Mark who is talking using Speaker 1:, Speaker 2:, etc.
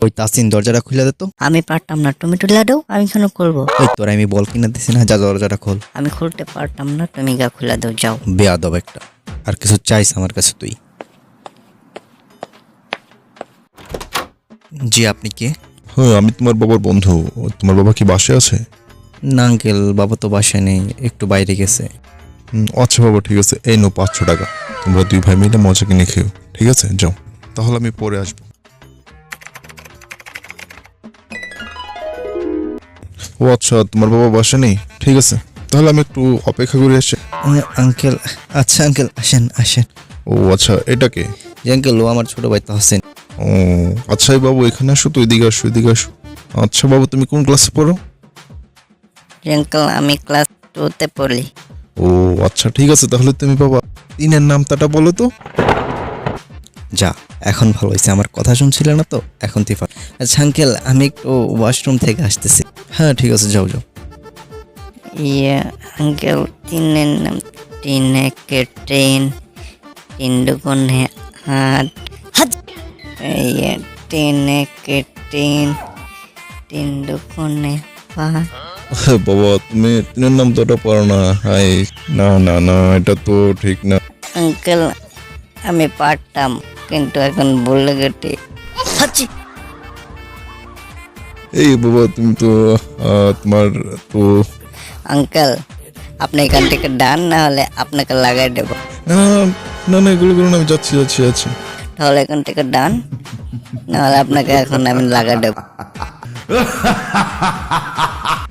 Speaker 1: ওই তাসিন দরজাটা খুলে দে তো।
Speaker 2: আমি পারতাম না, তুমি তুলে দাও, আমি কেন করবো?
Speaker 1: ওই তোরা আমি বল কিনা দিছি না, যা দরজাটা খোল।
Speaker 2: আমি খুলতে পারতাম না, তুমি গা খুলে দাও, যাও।
Speaker 1: বেয়াদব একটা। আর কিছু চাইস আমার কাছে তুই? জি, আপনি কে?
Speaker 3: হ্যাঁ, আমি তোমার বাবার বন্ধু। তোমার বাবা কি বাসায় আছে?
Speaker 1: না আঙ্কেল, বাবা তো বাসায় নেই, একটু বাইরে গেছে।
Speaker 3: আচ্ছা বাবা, ঠিক আছে, এই নো 500 টাকা। তোমরা 2 ভাই মিলে মজা কিনে খেও, ঠিক আছে? যাও, তাহলে আমি পরে আসবো। ও আচ্ছা, তোমার বাবা বাসা নেই, ঠিক আছে, তাহলে আমি একটু অপেক্ষা করে আসছি।
Speaker 1: আঙ্কেল, আচ্ছা আঙ্কেল, আসেন আসেন।
Speaker 3: ও আচ্ছা, এটা কে?
Speaker 1: জি আঙ্কেল, ও আমার ছোট ভাই তাহসিন।
Speaker 3: ও আচ্ছা, এই বাবু এখানে আসো তো, এদিকে আসো, এদিকে আসো। আচ্ছা বাবু, তুমি কোন ক্লাসে পড়ো?
Speaker 2: আঙ্কেল, আমি ক্লাস 2-তে পড়ি।
Speaker 3: ও আচ্ছা, ঠিক আছে, তাহলে তুমি বাবা 3-এর নামটা বলো তো।
Speaker 1: যা, এখন ভালো হয়েছে, আমার কথা শুনছিলে না তো, এখন তুই পার। আচ্ছা আঙ্কেল, আমি একটু ওয়াশরুম থেকে আসতেছি। হ্যাঁ ঠিক আছে, যাও যাও।
Speaker 2: ইয়ে আঙ্কেল, 3-এর নাম 3-একে ট্রেন, 3 দুগুণে 8, ইয়ে 3-একে ট্রেন, 3 দুগুণে 5।
Speaker 3: বাবা, তুমি 3-এর নাম তো ওটা পারো না। হাই, না না না, এটা তো ঠিক না।
Speaker 2: আঙ্কেল, আমি পারতাম, কিন্তু এখন ভুলে গেছি।
Speaker 3: এই বাবা, তুমি তো তোমার তো
Speaker 2: আঙ্কেল, আপনি এখান থেকে ডান, না হলে আপনাকে লাগাই দেব।
Speaker 3: না না না, এগুলো করুন, আমি যাচ্ছি যাচ্ছি যাচ্ছি।
Speaker 2: তাহলে এখান থেকে ডান, না হলে আপনাকে এখন আমি লাগাই দেব।